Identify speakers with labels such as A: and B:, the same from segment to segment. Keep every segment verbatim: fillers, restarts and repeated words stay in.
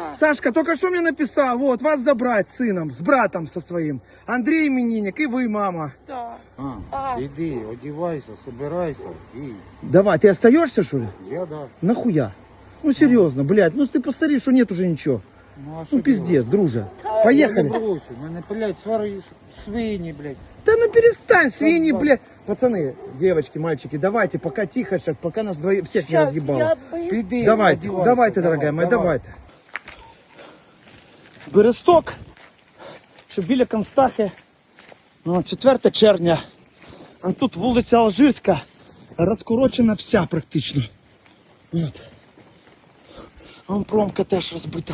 A: Да.
B: Сашка, только что мне написал, вот, вас забрать с сыном, с братом со своим. Андрей именинник, и вы, мама.
A: Да.
C: А,
A: А.
C: иди, одевайся, собирайся и...
B: Давай, ты остаешься, что ли?
C: Я, да.
B: Нахуя? Ну, серьезно, блядь, ну ты посмотри, что нет уже ничего.
C: Ну, а
B: Ну, пиздец, друже.
C: Я
B: Поехали.
C: не брошу, мене, блядь, свари, свиньи, блядь.
B: Да ну перестань, свиньи,
C: да.
B: блядь. Пацаны, девочки, мальчики, давайте, пока тихо сейчас, пока нас двоих всех не
A: Сейчас
B: разъебало.
A: я бы...
C: Піди,
B: Давайте,
C: одевайся,
B: давайте,
C: давай,
B: дорогая моя,
C: давай.
B: давайте. Бересток, що біля Констахи, ну, четверте червня. А тут вулиця Алжирська, розкорочена вся практично. От. Вон промка теж розбита.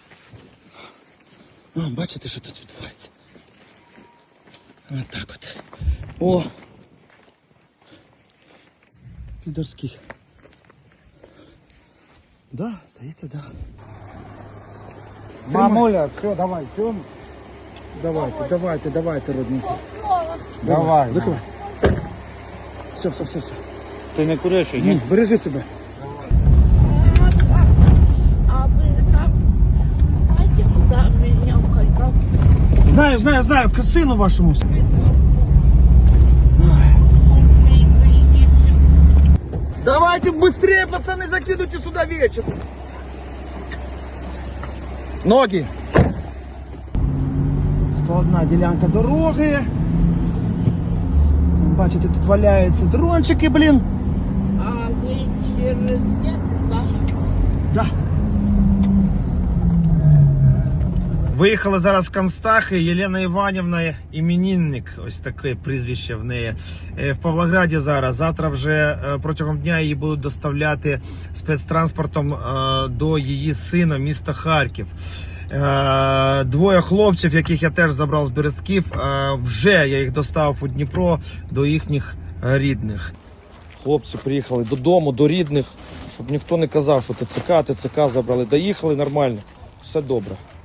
B: О, бачите, що тут відбувається? Ось так от. О! Підорський. Да, здається, да.
C: Мамуля, все, давай, все.
B: Давайте, давайте, давайте, родненькі.
C: Давай.
B: Закривай. Все, все, все, все.
C: Ти не куриш, ні?
B: Ні, бережи себе.
A: А вы там знаете, куда меня уходил?
B: Знаю, знаю, знаю, к сину вашому. Давайте быстрее, пацаны, закидывайте сюда вечер. Ноги. Складна ділянка дороги. Бачите, тут валяються дрончики, блін.
A: А вы через нет, да?
B: Да. Виїхали зараз з Констахи. Єлена Іванівна, іменинник, ось таке прізвище в неї, в Павлограді зараз. Завтра вже протягом дня її будуть доставляти спецтранспортом до її сина, міста Харків. Двоє хлопців, яких я теж забрав з Берестків, вже я їх доставив у Дніпро до їхніх рідних. Хлопці приїхали додому, до рідних, щоб ніхто не казав, що ТЦК, ТЦК забрали. Доїхали нормально, все добре.